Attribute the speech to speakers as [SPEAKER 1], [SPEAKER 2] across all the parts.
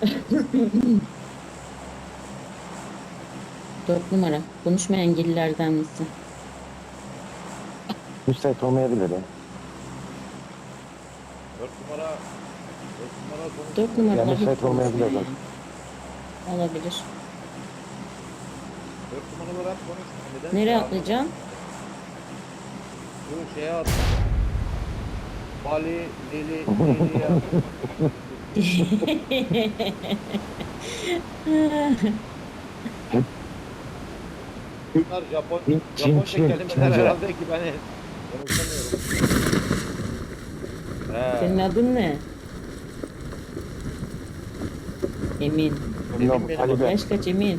[SPEAKER 1] Dört numara. Konuşmayan engellilerden misin?
[SPEAKER 2] Müsait olmayabilir ya.
[SPEAKER 3] 4 numara 4 numara
[SPEAKER 1] Dört
[SPEAKER 3] konuşmuyor.
[SPEAKER 2] Ya
[SPEAKER 1] numaralar hiç
[SPEAKER 2] müsait olmayabilir
[SPEAKER 1] konuşmuyor
[SPEAKER 2] bak.
[SPEAKER 1] yani. Olabilir.
[SPEAKER 3] 4 numaralar hep konuşmuyor. Neden?
[SPEAKER 1] Nereye atlayacağım?
[SPEAKER 3] Şu şeye at. Bali, Lili, Lili'ye at. Bunlar
[SPEAKER 2] Çin
[SPEAKER 3] Japonca
[SPEAKER 2] Çin
[SPEAKER 3] kelimeler
[SPEAKER 2] Çince.
[SPEAKER 3] herhalde ki ben konuşamıyorum.
[SPEAKER 1] Senin
[SPEAKER 3] He.
[SPEAKER 1] adın ne? Emin.
[SPEAKER 2] Bilmiyorum
[SPEAKER 3] benim
[SPEAKER 2] Talibe.
[SPEAKER 1] Yaş kaç Emin?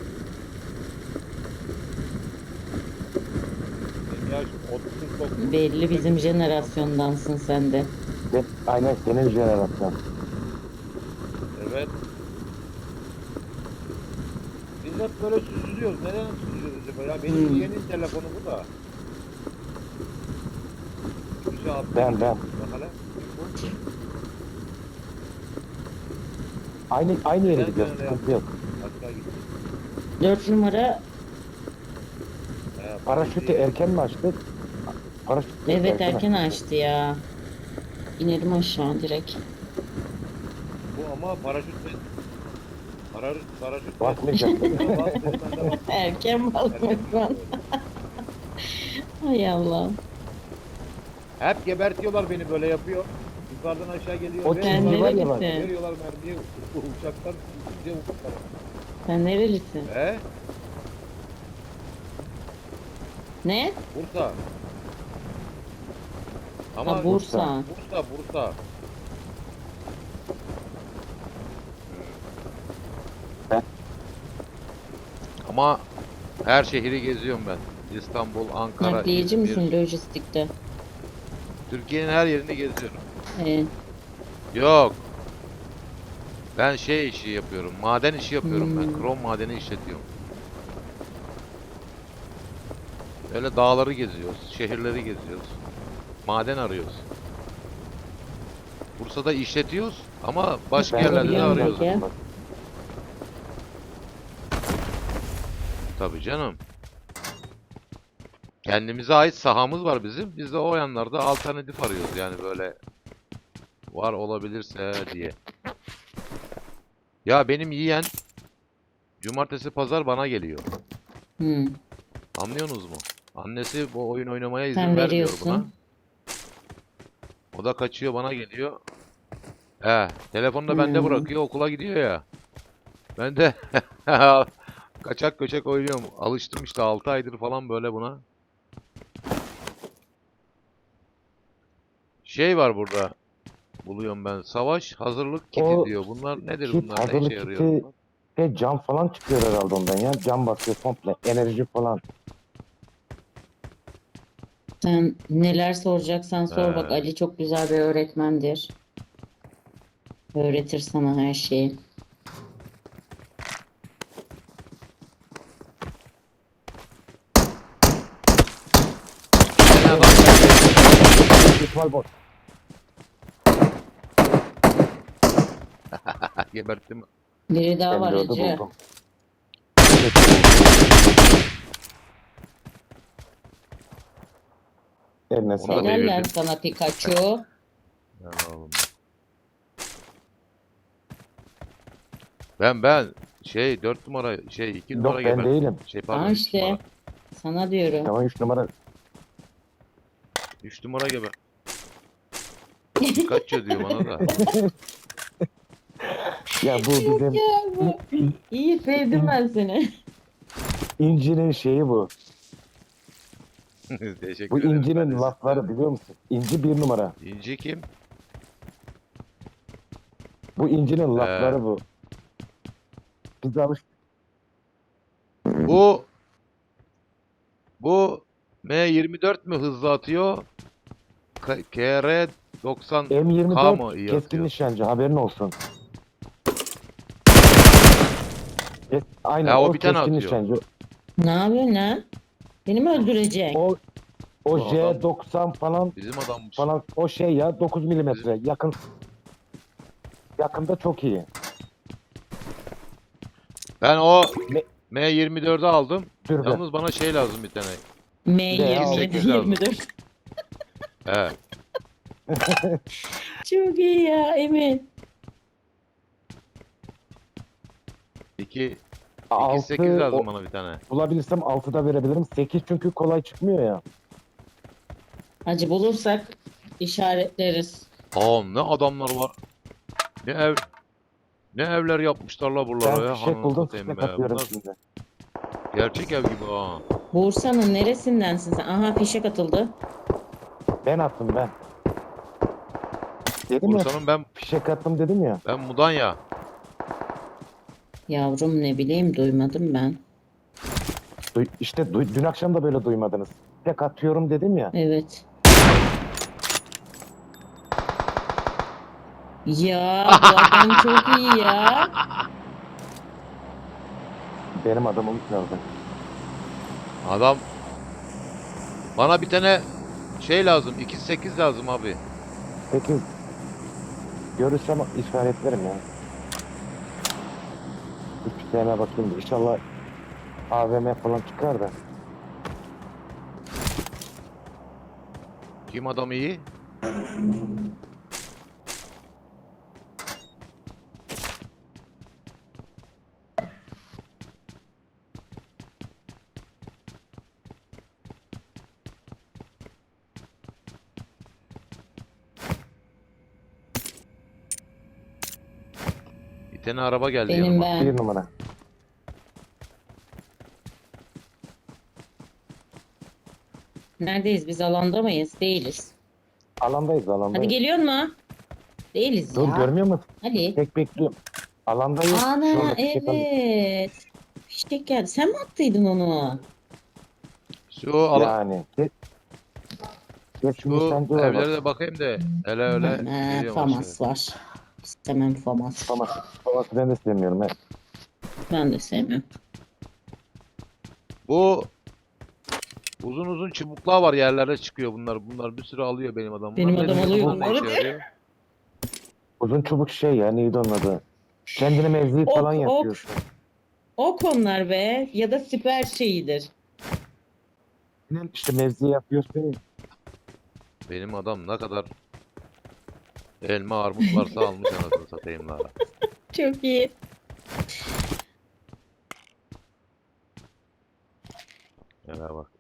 [SPEAKER 3] Yaş 39.
[SPEAKER 1] Belli bizim jenerasyondansın sen de.
[SPEAKER 2] Aynen senin jenerasyon.
[SPEAKER 3] Evet. Biz hep böyle süzülüyoruz. Neden süzülüyoruz acaba ya? Benim yeğenin telefonu bu da. Bir şey attı.
[SPEAKER 2] Ben.
[SPEAKER 3] Bak hele.
[SPEAKER 2] Aynı yere
[SPEAKER 3] Neden
[SPEAKER 2] gidiyoruz.
[SPEAKER 3] böyle
[SPEAKER 2] Sıkıntı yok.
[SPEAKER 3] Hatta gitti.
[SPEAKER 1] Dört numara.
[SPEAKER 2] Paraşütü erken mi açtık? Paraşütü
[SPEAKER 1] Evet erken
[SPEAKER 2] açtık.
[SPEAKER 1] açtı ya. İnelim aşağı direkt.
[SPEAKER 3] Bu ama paraşütle paraşüt
[SPEAKER 2] Basmayacak değil mi?
[SPEAKER 3] bas dedi, ben de bastım.
[SPEAKER 1] Erken basmaktan. Hay Allah.
[SPEAKER 3] Hep gebertiyorlar beni, böyle yapıyor. Yukarıdan aşağı geliyor.
[SPEAKER 2] O
[SPEAKER 1] Sen
[SPEAKER 2] çizgi var ya bak.
[SPEAKER 1] nerelisin?
[SPEAKER 3] Veriyorlar mermiyi. Uçaklar gidiyor uçaklar.
[SPEAKER 1] Sen nerelisin?
[SPEAKER 3] He?
[SPEAKER 1] Ne?
[SPEAKER 3] Bursa. Ama
[SPEAKER 1] Ha Bursa.
[SPEAKER 3] Bursa.
[SPEAKER 2] Ben-
[SPEAKER 3] Ama her şehri geziyorum ben. İstanbul, Ankara,
[SPEAKER 1] Nakliyeci
[SPEAKER 3] İzmir.
[SPEAKER 1] misin lojistikte?
[SPEAKER 3] Türkiye'nin her yerini geziyorum.
[SPEAKER 1] Ee,
[SPEAKER 3] Yok. Ben şey işi yapıyorum. Maden işi yapıyorum ben.
[SPEAKER 1] Hmm.
[SPEAKER 3] Krom madeni işletiyorum. Öyle dağları geziyoruz. Şehirleri geziyoruz. Maden arıyoruz. Bursa'da işletiyoruz ama başka
[SPEAKER 2] Ben
[SPEAKER 3] yerlerde de
[SPEAKER 1] biliyorum
[SPEAKER 3] arıyoruz.
[SPEAKER 1] bak ya.
[SPEAKER 2] Bak,
[SPEAKER 3] Tabii canım. Kendimize ait sahamız var bizim. Biz de o yanlarda alternatif arıyoruz. Yani böyle var olabilirse diye. Ya benim yeğen cumartesi pazar bana geliyor.
[SPEAKER 1] Hmm.
[SPEAKER 3] Anlıyorsunuz mu? Annesi bu oyun oynamaya izin
[SPEAKER 1] Sen
[SPEAKER 3] vermiyor buna.
[SPEAKER 1] veriyorsun.
[SPEAKER 3] O da kaçıyor bana geliyor. Telefonu da bende
[SPEAKER 1] Hmm.
[SPEAKER 3] bırakıyor, okula gidiyor ya. Ben de kaçak göçek oynuyorum. Alıştım işte 6 aydır falan böyle buna. Şey var burada. Buluyorum ben. Savaş hazırlık kiti
[SPEAKER 2] o
[SPEAKER 3] diyor. Bunlar nedir
[SPEAKER 2] kit,
[SPEAKER 3] bunlar? Ne işe
[SPEAKER 2] hazırlık
[SPEAKER 3] yarıyor
[SPEAKER 2] kiti
[SPEAKER 3] bunlar?
[SPEAKER 2] cam falan çıkıyor herhalde ondan ya. Cam basıyor komple. Enerji falan.
[SPEAKER 1] Sen neler soracaksan sor bak.
[SPEAKER 3] He.
[SPEAKER 1] Ali çok güzel bir öğretmendir. Öğretir sana her şeyi.
[SPEAKER 3] Gene adam geldi.
[SPEAKER 2] İhtimal bot.
[SPEAKER 3] Geberttim.
[SPEAKER 1] Biri daha var
[SPEAKER 2] M4'ü
[SPEAKER 1] Ece.
[SPEAKER 2] buldum. Eline
[SPEAKER 3] Onu da
[SPEAKER 2] sağlık.
[SPEAKER 1] Helal lan
[SPEAKER 3] devirdim.
[SPEAKER 1] sana Pikachu.
[SPEAKER 3] Yani oğlum. Ben şey 4 numara şey 2 numara
[SPEAKER 2] Yok ben
[SPEAKER 3] geberttim.
[SPEAKER 2] değilim.
[SPEAKER 3] Şey
[SPEAKER 1] Ha
[SPEAKER 3] pardon 3
[SPEAKER 1] işte.
[SPEAKER 3] numara.
[SPEAKER 1] Sana diyorum.
[SPEAKER 2] Tamam 3 numara.
[SPEAKER 3] 3 numara geber. Pikachu diyor bana da.
[SPEAKER 2] Ya bu bizim
[SPEAKER 1] Ya bu. İyi sevdim ben seni.
[SPEAKER 2] incinin şeyi bu.
[SPEAKER 3] Teşekkür
[SPEAKER 2] Bu
[SPEAKER 3] ederim. Ben
[SPEAKER 2] incinin
[SPEAKER 3] de
[SPEAKER 2] lafları biliyor musun? İnci bir numara.
[SPEAKER 3] İnci kim?
[SPEAKER 2] Bu incinin
[SPEAKER 3] Ee,
[SPEAKER 2] lafları bu. Biz alıştık.
[SPEAKER 3] bu M24 mü hızlı atıyor? KR 90K
[SPEAKER 2] M24
[SPEAKER 3] mı iyi
[SPEAKER 2] keskin
[SPEAKER 3] atıyor?
[SPEAKER 2] nişancı haberin olsun. Aynen
[SPEAKER 3] Ha
[SPEAKER 2] o
[SPEAKER 3] o bir tane
[SPEAKER 2] keskin
[SPEAKER 3] atıyor.
[SPEAKER 2] nişancı.
[SPEAKER 1] Ne yapıyorsun lan? Beni mi öldürecek?
[SPEAKER 2] O
[SPEAKER 3] Bu adam
[SPEAKER 2] J90 falan
[SPEAKER 3] bizim adammış.
[SPEAKER 2] o şey ya 9
[SPEAKER 3] Bizim
[SPEAKER 2] milimetre yakında çok iyi.
[SPEAKER 3] Ben o
[SPEAKER 2] Me-
[SPEAKER 3] M24'ü aldım.
[SPEAKER 2] Türbe.
[SPEAKER 3] Yalnız bana şey lazım bir tane.
[SPEAKER 1] M27
[SPEAKER 3] 8 lazım.
[SPEAKER 1] 24.
[SPEAKER 3] He.
[SPEAKER 1] Çok iyi ya Emin.
[SPEAKER 3] 8
[SPEAKER 2] 6
[SPEAKER 3] lazım bana bir tane.
[SPEAKER 2] bulabilirsem 6'da verebilirim. 8 çünkü kolay çıkmıyor ya.
[SPEAKER 1] Hacı bulursak işaretleriz.
[SPEAKER 3] Oğlum ne adamlar var. Ne ev ne evler yapmışlar la buralara
[SPEAKER 2] Ben
[SPEAKER 3] ya.
[SPEAKER 2] fişek
[SPEAKER 3] Hanını
[SPEAKER 2] buldum,
[SPEAKER 3] satayım
[SPEAKER 2] fişek
[SPEAKER 3] be.
[SPEAKER 2] atıyorum
[SPEAKER 3] Bunlar
[SPEAKER 2] şimdi.
[SPEAKER 3] gerçek ev gibi ha.
[SPEAKER 1] Bursa'nın neresindensin sen? Aha fişek atıldı.
[SPEAKER 2] Ben attım ben. Dedim ya,
[SPEAKER 3] Bursa'nın
[SPEAKER 2] fişek attım dedim ya.
[SPEAKER 3] ben Mudanya.
[SPEAKER 1] Yavrum ne bileyim duymadım ben.
[SPEAKER 2] Dün akşam da böyle duymadınız. Fişek atıyorum dedim ya.
[SPEAKER 1] Evet. Ya bu adam çok iyi ya.
[SPEAKER 2] Benim adamım kaldı.
[SPEAKER 3] Adam bana bir tane şey lazım. 2.8 lazım abi.
[SPEAKER 2] Peki görürsem işaretlerim ya. Bir tane bakayım da inşallah AVM falan çıkar da.
[SPEAKER 3] Kim adam iyi? Bir tane araba geldi
[SPEAKER 1] Benim
[SPEAKER 3] yanıma.
[SPEAKER 1] ben.
[SPEAKER 2] Bir numara.
[SPEAKER 1] Neredeyiz biz alanda mıyız? Değiliz.
[SPEAKER 2] Alandayız
[SPEAKER 1] Hadi
[SPEAKER 2] alandayız.
[SPEAKER 1] geliyor mu? Değiliz
[SPEAKER 2] Dur
[SPEAKER 1] ya.
[SPEAKER 2] görmüyor musun?
[SPEAKER 1] Hadi.
[SPEAKER 2] Tek bekliyorum. Alandayız. Şu
[SPEAKER 1] Ana
[SPEAKER 2] anda fişek aldım.
[SPEAKER 1] evet. Fişek geldi. Sen mi attıydın onu?
[SPEAKER 3] Şu ala
[SPEAKER 2] Yani. Geç
[SPEAKER 3] şu
[SPEAKER 2] nişancı var
[SPEAKER 3] evlere
[SPEAKER 2] bak.
[SPEAKER 3] de bakayım da hele öyle geliyorum aşağı.
[SPEAKER 1] Famas var. İstemem Famas.
[SPEAKER 2] Faması ben de sevmiyorum. He.
[SPEAKER 1] Ben de sevmiyorum.
[SPEAKER 3] Bu uzun uzun çubuklar var yerlerde çıkıyor bunlar. Bunlar bir sürü alıyor benim adam.
[SPEAKER 1] Benim
[SPEAKER 3] Bunlar
[SPEAKER 1] adam
[SPEAKER 3] ne-
[SPEAKER 1] alıyor
[SPEAKER 3] bunlar ne
[SPEAKER 1] bunları.
[SPEAKER 3] işe yarıyor?
[SPEAKER 2] Uzun çubuk şey ya, neydi onun adı? Kendine mevzi falan
[SPEAKER 1] Ok ok.
[SPEAKER 2] yapıyorsun.
[SPEAKER 1] Ok onlar be. Ya da siper şeyidir.
[SPEAKER 2] İşte mevzi yapıyorsun ya.
[SPEAKER 3] Benim adam ne kadar elma armut varsa almış anasını satayım la.
[SPEAKER 1] Çok iyi.
[SPEAKER 3] Yana bak.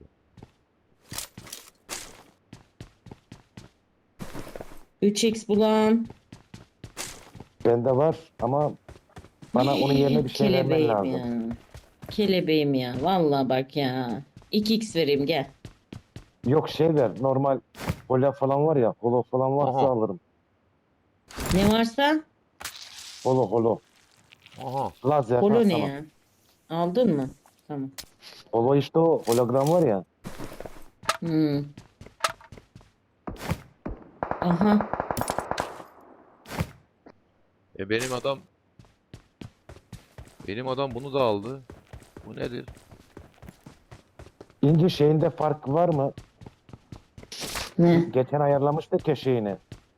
[SPEAKER 1] 3x bulan.
[SPEAKER 2] Bende var ama bana onun yerine bir şey vermen
[SPEAKER 1] Kelebeğim
[SPEAKER 2] lazım.
[SPEAKER 1] ya. Kelebeğim ya. Vallahi bak ya. 2x vereyim gel.
[SPEAKER 2] Yok şey ver, normal hola falan var ya, holo falan varsa
[SPEAKER 3] Aha.
[SPEAKER 2] alırım.
[SPEAKER 1] Ne varsa
[SPEAKER 2] Holo.
[SPEAKER 3] Aha.
[SPEAKER 2] Lazer.
[SPEAKER 1] polo ne
[SPEAKER 2] tamam.
[SPEAKER 1] ya? Aldın mı? Tamam.
[SPEAKER 2] Holo işte o hologram var ya.
[SPEAKER 1] Hmm. Aha.
[SPEAKER 3] Benim adam bunu da aldı. Bu nedir?
[SPEAKER 2] İnci şeyinde fark var mı?
[SPEAKER 1] Ne?
[SPEAKER 2] Geçen ayarlamıştık ya şeyini.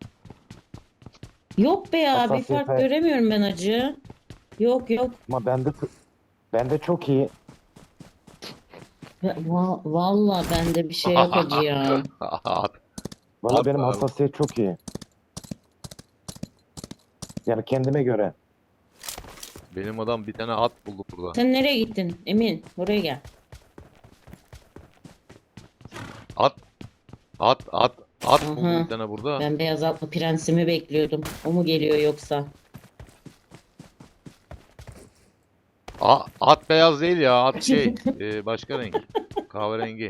[SPEAKER 1] Yok be ya. Bir fark
[SPEAKER 2] Hassasiyete.
[SPEAKER 1] göremiyorum ben acı. Yok yok.
[SPEAKER 2] Ama bende çok iyi.
[SPEAKER 1] Vallahi bende bir şey yok acı ya.
[SPEAKER 2] Valla
[SPEAKER 3] At
[SPEAKER 2] benim
[SPEAKER 3] abi.
[SPEAKER 2] hassasiyet çok iyi. Yani kendime göre.
[SPEAKER 3] Benim adam bir tane at buldu burada.
[SPEAKER 1] Sen nereye gittin? Emin, buraya gel.
[SPEAKER 3] At. At buldu
[SPEAKER 1] Aha.
[SPEAKER 3] bir tane burada.
[SPEAKER 1] Ben beyaz atlı prensimi bekliyordum. O mu geliyor yoksa?
[SPEAKER 3] At beyaz değil ya. At şey. Başka renk. Kahverengi.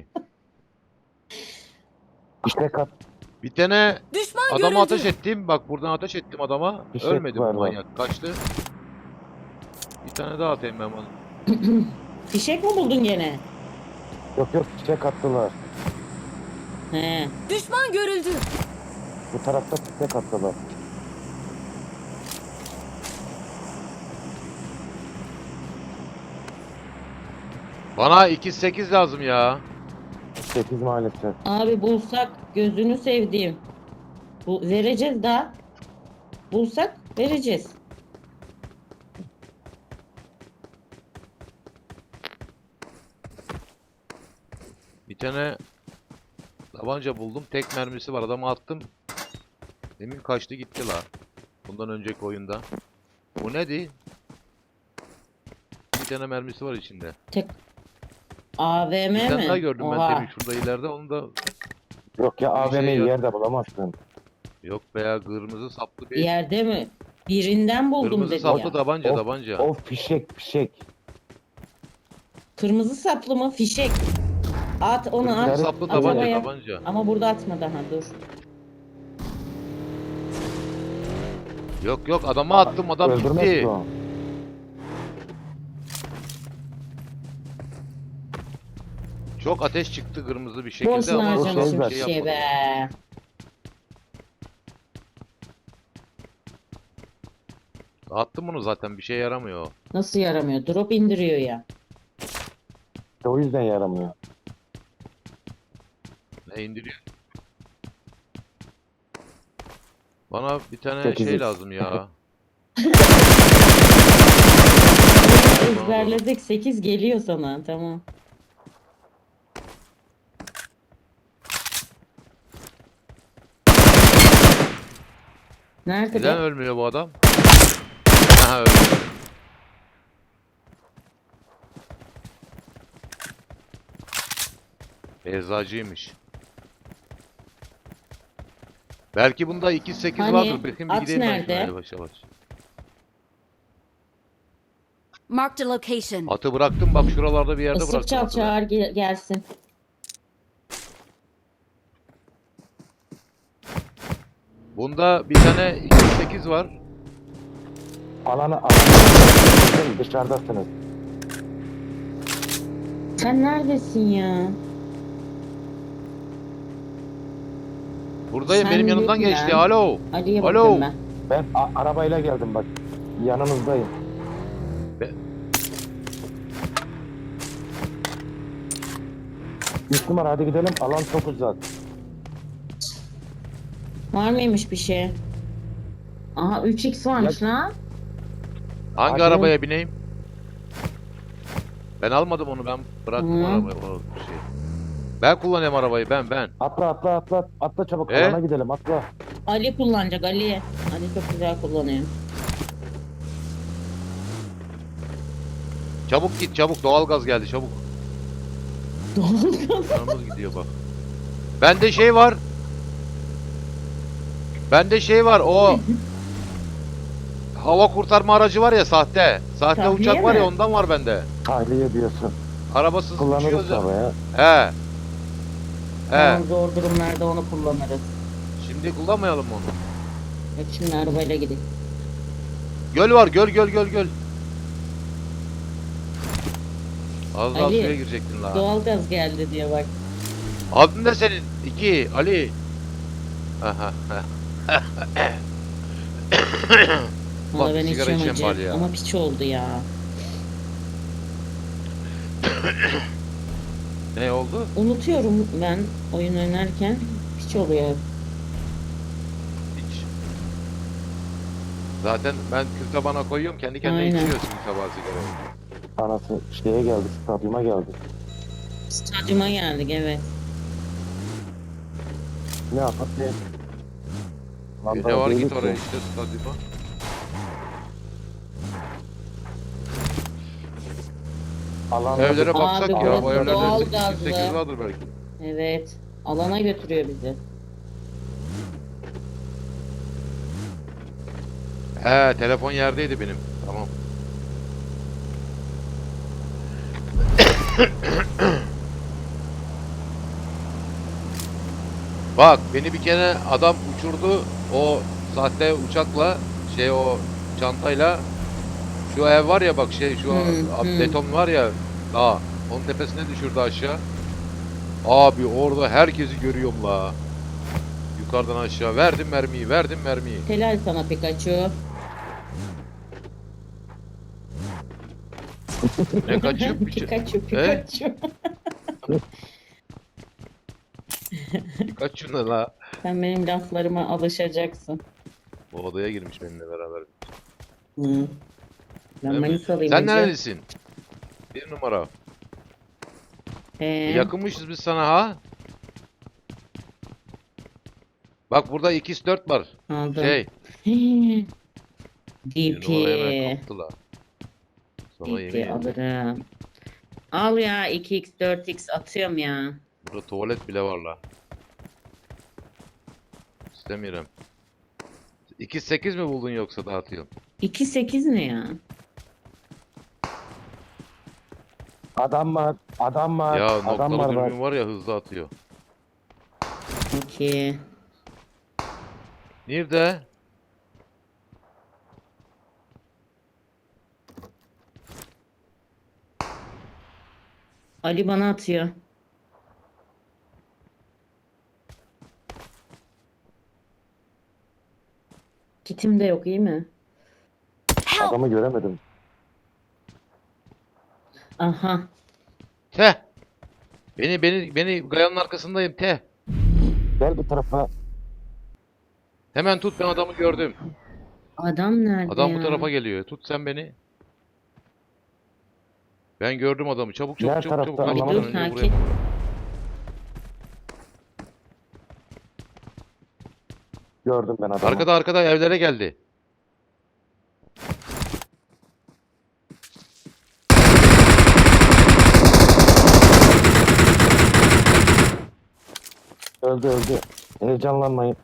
[SPEAKER 2] İşte
[SPEAKER 3] Bir tane
[SPEAKER 4] Düşman
[SPEAKER 3] adama
[SPEAKER 4] görüldü.
[SPEAKER 3] ateş ettim. Bak buradan ateş ettim adama.
[SPEAKER 2] Fişek
[SPEAKER 3] Ölmedi
[SPEAKER 2] var
[SPEAKER 3] bu
[SPEAKER 2] bak.
[SPEAKER 3] manyak. Kaçtı. Bir tane daha atayım ben bana.
[SPEAKER 1] Fişek mi buldun gene?
[SPEAKER 2] yok fişek attılar.
[SPEAKER 1] He.
[SPEAKER 4] Düşman görüldü.
[SPEAKER 2] Bu tarafta fişek attılar.
[SPEAKER 3] Bana 2.8 lazım ya.
[SPEAKER 2] 8 maalesef.
[SPEAKER 1] Abi bulsak gözünü sevdiğim. Vereceğiz daha. Bulsak vereceğiz.
[SPEAKER 3] Bir tane tabanca buldum. Tek mermisi var. Adamı attım. Demin kaçtı gitti la. Bundan önceki oyunda. Bu neydi? Bir tane mermisi var içinde.
[SPEAKER 1] Tek AVM
[SPEAKER 3] Bir tane daha
[SPEAKER 1] mi?
[SPEAKER 3] gördüm ben
[SPEAKER 1] Oha.
[SPEAKER 3] demin şurada ileride. Onu da
[SPEAKER 2] Yok ya,
[SPEAKER 3] Bir şey
[SPEAKER 2] AVM'yi
[SPEAKER 3] yok.
[SPEAKER 2] yerde bulamazsın.
[SPEAKER 3] yok veya kırmızı saplı bir
[SPEAKER 1] Yerde mi? Birinden buldum
[SPEAKER 3] kırmızı
[SPEAKER 1] dedi
[SPEAKER 3] saplı
[SPEAKER 1] ya.
[SPEAKER 3] tabanca
[SPEAKER 2] O,
[SPEAKER 3] tabanca.
[SPEAKER 2] o fişek.
[SPEAKER 1] Kırmızı saplı mı? Fişek. At onu
[SPEAKER 3] Kırmızı
[SPEAKER 1] at.
[SPEAKER 3] saplı
[SPEAKER 1] At
[SPEAKER 3] tabanca
[SPEAKER 1] havaya.
[SPEAKER 3] tabanca.
[SPEAKER 1] Ama burada atma daha dur.
[SPEAKER 3] Yok adamı attım adam
[SPEAKER 2] Öldürmez
[SPEAKER 3] gitti.
[SPEAKER 2] ki o.
[SPEAKER 3] Çok ateş çıktı kırmızı bir şekilde
[SPEAKER 1] Boşuna
[SPEAKER 3] ama
[SPEAKER 2] harcamışım
[SPEAKER 1] harcamışım
[SPEAKER 3] adam
[SPEAKER 2] şey
[SPEAKER 1] fişeği
[SPEAKER 3] yapmadı.
[SPEAKER 1] be.
[SPEAKER 3] Attım bunu zaten bir şey yaramıyor.
[SPEAKER 1] Nasıl yaramıyor? Drop indiriyor ya.
[SPEAKER 2] İşte o yüzden yaramıyor.
[SPEAKER 3] Ne indiriyor? Bana bir tane
[SPEAKER 2] 8x.
[SPEAKER 3] şey lazım ya.
[SPEAKER 1] Ezberledik. 8 geliyor sana. Tamam. Nerede
[SPEAKER 3] Neden
[SPEAKER 1] be?
[SPEAKER 3] ölmüyor bu adam? Aha öldü. Eczacıymış. Belki bunda 2.8
[SPEAKER 1] Hani,
[SPEAKER 3] vardır. Bakayım bir
[SPEAKER 1] at
[SPEAKER 3] gideyim ben
[SPEAKER 1] nerede?
[SPEAKER 3] şuna yavaş yavaş.
[SPEAKER 4] Marked a location.
[SPEAKER 3] Atı bıraktım bak şuralarda bir yerde
[SPEAKER 1] Isık
[SPEAKER 3] bıraktım
[SPEAKER 1] çal
[SPEAKER 3] atı ben.
[SPEAKER 1] çağır gelsin.
[SPEAKER 3] Bunda bir tane 2.8 var.
[SPEAKER 2] Alanı dışarıdasınız.
[SPEAKER 1] Sen neredesin ya?
[SPEAKER 3] Buradayım
[SPEAKER 1] Sen
[SPEAKER 3] benim yanımdan
[SPEAKER 1] yok
[SPEAKER 3] geçti.
[SPEAKER 1] lan.
[SPEAKER 3] Alo.
[SPEAKER 1] Ali'ye
[SPEAKER 3] Alo.
[SPEAKER 1] bakıyorum ben.
[SPEAKER 2] Ben arabayla geldim bak. Yanınızdayım.
[SPEAKER 3] Be-
[SPEAKER 2] Üç numara, hadi gidelim. Alan çok uzak.
[SPEAKER 1] Var mıymış bir şey? Aha 3x varmış lan.
[SPEAKER 3] Hangi
[SPEAKER 2] Hadi.
[SPEAKER 3] arabaya bineyim? Ben almadım onu ben bıraktım
[SPEAKER 1] Hı.
[SPEAKER 3] arabayı. O şey. Ben kullanıyorum arabayı ben.
[SPEAKER 2] Atla çabuk,
[SPEAKER 3] E?
[SPEAKER 2] alana gidelim, atla.
[SPEAKER 1] Ali kullanacak Ali. Ali çok güzel kullanıyor.
[SPEAKER 3] Çabuk git çabuk doğalgaz geldi çabuk.
[SPEAKER 1] Doğalgaz.
[SPEAKER 3] Canımız gidiyor bak. Bende şey var. Bende şey var o hava kurtarma aracı var ya sahte. Sahte
[SPEAKER 1] Tahliye
[SPEAKER 3] uçak var
[SPEAKER 1] mi?
[SPEAKER 3] ya ondan var bende.
[SPEAKER 2] Tahliye diyorsun.
[SPEAKER 3] Arabasız
[SPEAKER 2] Kullanırız
[SPEAKER 3] uçuyoruz ya.
[SPEAKER 2] tabii ya.
[SPEAKER 3] He. He.
[SPEAKER 1] Tamam, zor durumlarda onu kullanırız.
[SPEAKER 3] Şimdi kullanmayalım mı onu?
[SPEAKER 1] Yok şimdi arabayla gidelim.
[SPEAKER 3] Göl var göl. Az daha
[SPEAKER 1] Ali,
[SPEAKER 3] suya girecektin la.
[SPEAKER 1] Doğalgaz geldi diye bak.
[SPEAKER 3] Adın ne senin? 2 Ali. Aha.
[SPEAKER 1] Valla
[SPEAKER 3] Bak,
[SPEAKER 1] ben
[SPEAKER 3] sigara
[SPEAKER 1] içiyorum
[SPEAKER 3] içen
[SPEAKER 1] acı.
[SPEAKER 3] var ya.
[SPEAKER 1] Ama piç oldu ya.
[SPEAKER 3] Ne oldu?
[SPEAKER 1] Unutuyorum ben oyun oynarken. Piç oluyor.
[SPEAKER 3] Hiç. Zaten ben kül tabağına koyuyorum kendi kendine
[SPEAKER 1] Aynen.
[SPEAKER 3] içiyor kül tabağı sigarayı.
[SPEAKER 2] Anası şeye geldi, stadyuma geldi.
[SPEAKER 1] Stadyuma geldik evet.
[SPEAKER 2] Ne yapar ne? Lan
[SPEAKER 3] Ne
[SPEAKER 2] daha
[SPEAKER 3] var
[SPEAKER 2] değiliz
[SPEAKER 3] git oraya
[SPEAKER 2] ki.
[SPEAKER 3] işte stadyuma.
[SPEAKER 2] Alanda
[SPEAKER 3] Evlere
[SPEAKER 2] bir-
[SPEAKER 3] baksak
[SPEAKER 1] Abi,
[SPEAKER 3] ya bu
[SPEAKER 1] burası
[SPEAKER 3] evlerde
[SPEAKER 1] doğalgazlı.
[SPEAKER 3] 8 vardır belki.
[SPEAKER 1] Evet. Alana götürüyor bizi.
[SPEAKER 3] He telefon yerdeydi benim. Tamam. Bak beni bir kere adam uçurdu o sahte uçakla şey o çantayla şu ev var ya bak şey şu beton var ya dağ onun tepesine düşürdü aşağı. Abi orada herkesi görüyorum la. Yukarıdan aşağı verdim mermiyi.
[SPEAKER 1] Helal sana Pikachu.
[SPEAKER 3] Ne kaçıyor piçi?
[SPEAKER 1] Pikachu.
[SPEAKER 3] Kaç şuna la.
[SPEAKER 1] Sen benim laflarıma alışacaksın.
[SPEAKER 3] Bu odaya girmiş benimle beraber.
[SPEAKER 1] Hı. Ben
[SPEAKER 3] Değil mi?
[SPEAKER 1] Manisalıyım
[SPEAKER 3] Sen
[SPEAKER 1] Ece.
[SPEAKER 3] neredesin? Bir numara. Yakınmışız biz sana ha. Bak burada 2x4 var.
[SPEAKER 1] Aldım.
[SPEAKER 3] Şey.
[SPEAKER 1] Hee.
[SPEAKER 3] Bir
[SPEAKER 1] DP.
[SPEAKER 3] numara hemen kaptılar. Sana yemin
[SPEAKER 1] DP
[SPEAKER 3] ederim.
[SPEAKER 1] alırım. Al ya 2x 4x atıyorum ya.
[SPEAKER 3] Burada tuvalet bile var la. İstemiyorum. 2.8 mi buldun yoksa dağıtıyorum?
[SPEAKER 1] 2.8 ne ya?
[SPEAKER 2] Adam var. Adam var.
[SPEAKER 3] Ya
[SPEAKER 2] adam var
[SPEAKER 3] noktalı
[SPEAKER 2] bak.
[SPEAKER 3] dürbün var ya hızlı atıyor.
[SPEAKER 1] 2.
[SPEAKER 3] Nerede?
[SPEAKER 1] Ali bana atıyor. Kitim de yok iyi mi?
[SPEAKER 4] Help!
[SPEAKER 2] Adamı göremedim.
[SPEAKER 1] Aha.
[SPEAKER 3] Teh. Beni gayanın arkasındayım teh.
[SPEAKER 2] Gel bu tarafa.
[SPEAKER 3] Hemen tut, ben adamı gördüm.
[SPEAKER 1] Adam nerede
[SPEAKER 3] Adam
[SPEAKER 1] ya?
[SPEAKER 3] bu tarafa geliyor. Tut sen beni. Ben gördüm adamı. Çabuk
[SPEAKER 2] Diğer
[SPEAKER 3] çabuk çabuk çabuk.
[SPEAKER 2] tarafta
[SPEAKER 3] Kaçmadan
[SPEAKER 1] dur
[SPEAKER 3] önce
[SPEAKER 1] sakin.
[SPEAKER 3] buraya.
[SPEAKER 2] Gördüm ben adamı.
[SPEAKER 3] Arkada evlere geldi.
[SPEAKER 2] Öldü öldü. Heyecanlanmayın.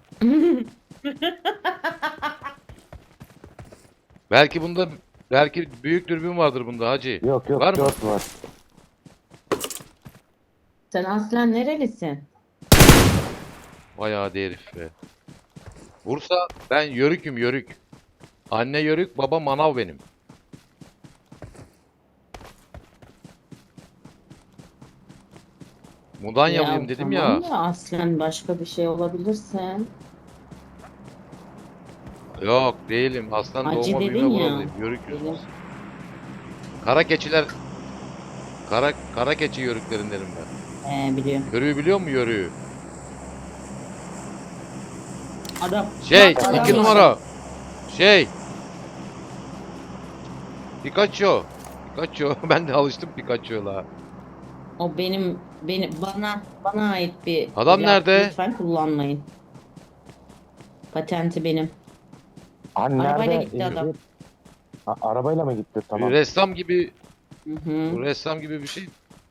[SPEAKER 3] Belki büyük dürbün vardır bunda hacı.
[SPEAKER 2] Yok yok
[SPEAKER 3] Var mı?
[SPEAKER 2] 4 var.
[SPEAKER 1] Sen aslen nerelisin?
[SPEAKER 3] Vay adi herif be. Bursa, ben yörüküm yörük. Anne yörük, baba manav benim. Mudanyalıyım dedim
[SPEAKER 1] tamam
[SPEAKER 3] ya.
[SPEAKER 1] da aslen başka bir şey olabilirse.
[SPEAKER 3] Yok değilim. Aslan
[SPEAKER 1] Hacı
[SPEAKER 3] doğma büyüme
[SPEAKER 1] dedin ya.
[SPEAKER 3] buralıyım. Yörüküz.
[SPEAKER 1] Benim-
[SPEAKER 3] Kara keçiler. Kara keçi yörüklerindenim ben.
[SPEAKER 1] biliyorum.
[SPEAKER 3] Yörüğü biliyor musun yörüğü?
[SPEAKER 1] Adam.
[SPEAKER 3] Şey,
[SPEAKER 1] Adam
[SPEAKER 3] 2
[SPEAKER 1] var.
[SPEAKER 3] numara. Şey. Pikachu. Ben de alıştım Pikachu'la.
[SPEAKER 1] O bana ait bir
[SPEAKER 3] Adam
[SPEAKER 1] laf,
[SPEAKER 3] nerede?
[SPEAKER 1] lütfen kullanmayın. Patenti benim.
[SPEAKER 2] Hani
[SPEAKER 1] Arabayla
[SPEAKER 2] nerede?
[SPEAKER 1] gitti adam.
[SPEAKER 2] Arabayla mı gitti? Tamam.
[SPEAKER 3] Ressam gibi,
[SPEAKER 1] Hı hı.
[SPEAKER 3] ressam gibi bir şey.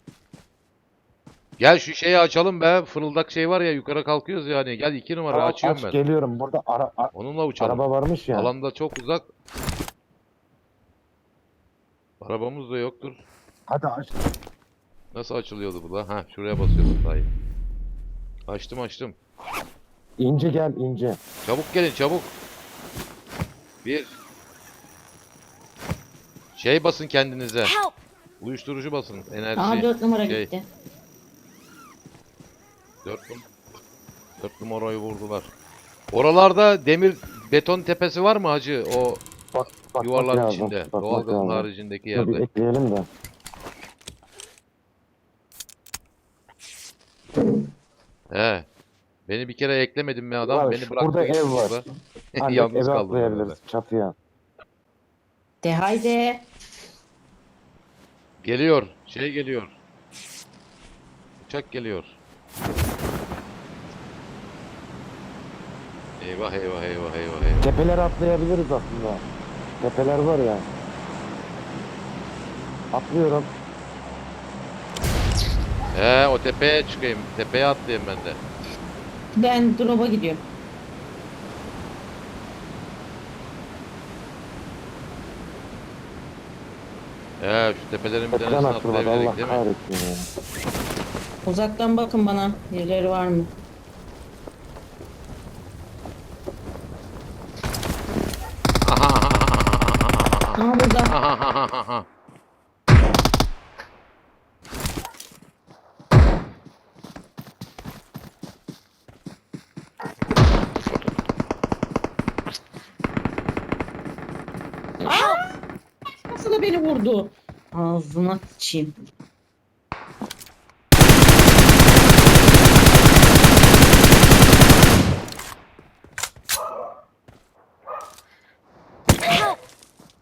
[SPEAKER 3] Gel şu şeyi açalım be. Fırıldak şey var ya, yukarı kalkıyoruz yani. Gel 2 numara
[SPEAKER 2] Tamam,
[SPEAKER 3] açıyorum
[SPEAKER 2] aç,
[SPEAKER 3] ben.
[SPEAKER 2] geliyorum. Burada
[SPEAKER 3] Onunla uçalım.
[SPEAKER 2] araba varmış ya.
[SPEAKER 3] Alanda çok uzak. Arabamız da yoktur.
[SPEAKER 2] Hadi aç.
[SPEAKER 3] Nasıl açılıyordu bu da? Ha, şuraya basıyordum daha iyi. Açtım.
[SPEAKER 2] İnce gel ince.
[SPEAKER 3] Çabuk gelin çabuk. Bir. Şey basın kendinize.
[SPEAKER 4] Help!
[SPEAKER 3] Uyuşturucu basın. Enerji.
[SPEAKER 1] Aa 4 numara
[SPEAKER 3] şey,
[SPEAKER 1] gitti.
[SPEAKER 3] 4 numarayı vurdular. Oralarda demir beton tepesi var mı hacı? O
[SPEAKER 2] Bak
[SPEAKER 3] yuvarların
[SPEAKER 2] lazım.
[SPEAKER 3] içinde.
[SPEAKER 2] Bakmak
[SPEAKER 3] Doğalgazın
[SPEAKER 2] lazım.
[SPEAKER 3] haricindeki
[SPEAKER 2] Dur bir
[SPEAKER 3] yerde.
[SPEAKER 2] ekleyelim de.
[SPEAKER 3] He. Beni bir kere eklemedin mi adam?
[SPEAKER 2] Var,
[SPEAKER 3] Beni bıraktı.
[SPEAKER 2] burada
[SPEAKER 3] gitti
[SPEAKER 2] ev var.
[SPEAKER 3] burada.
[SPEAKER 2] Hani
[SPEAKER 3] Yalnız
[SPEAKER 2] eve
[SPEAKER 3] kaldım ben orada.
[SPEAKER 2] atlayabiliriz çatıya.
[SPEAKER 1] De haydi.
[SPEAKER 3] Geliyor. Şey geliyor. Uçak geliyor. Eyvah.
[SPEAKER 2] Tepelere atlayabiliriz aslında. Tepeler var ya. Atlıyorum.
[SPEAKER 3] He, o tepeye çıkayım. Tepeye atlayayım ben de.
[SPEAKER 1] Ben drop'a gidiyorum.
[SPEAKER 3] He, şu tepelerin bir
[SPEAKER 2] Tepeden
[SPEAKER 3] tanesini
[SPEAKER 2] atlamak
[SPEAKER 3] atlayabilirdik
[SPEAKER 2] Allah
[SPEAKER 3] değil mi?
[SPEAKER 2] kahretsin ya.
[SPEAKER 1] Uzaktan bakın bana. Birileri var mı? Aa burada. Aa! Nasıl da beni vurdu? Ağzına sıçayım.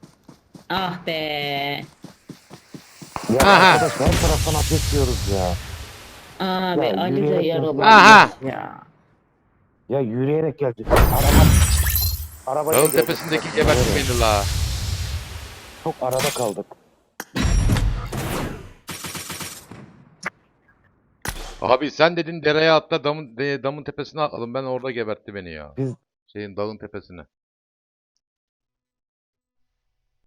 [SPEAKER 1] Ah be.
[SPEAKER 2] Ya
[SPEAKER 3] Aha.
[SPEAKER 2] arkadaş her taraftan ateş yiyoruz ya.
[SPEAKER 1] Abi
[SPEAKER 2] Ya,
[SPEAKER 1] Ali de
[SPEAKER 2] yürüyerek
[SPEAKER 1] yaralanmış
[SPEAKER 3] Aha!
[SPEAKER 1] ya.
[SPEAKER 2] Ya yürüyerek gelecek. Arabayla
[SPEAKER 3] Dağın
[SPEAKER 2] gelecek.
[SPEAKER 3] tepesindeki gebertti beni la.
[SPEAKER 2] Çok arada kaldık.
[SPEAKER 3] Abi sen dedin dereye atla damın tepesine atladım. Ben orada gebertti beni ya.
[SPEAKER 2] Biz
[SPEAKER 3] Şeyin dağın tepesine.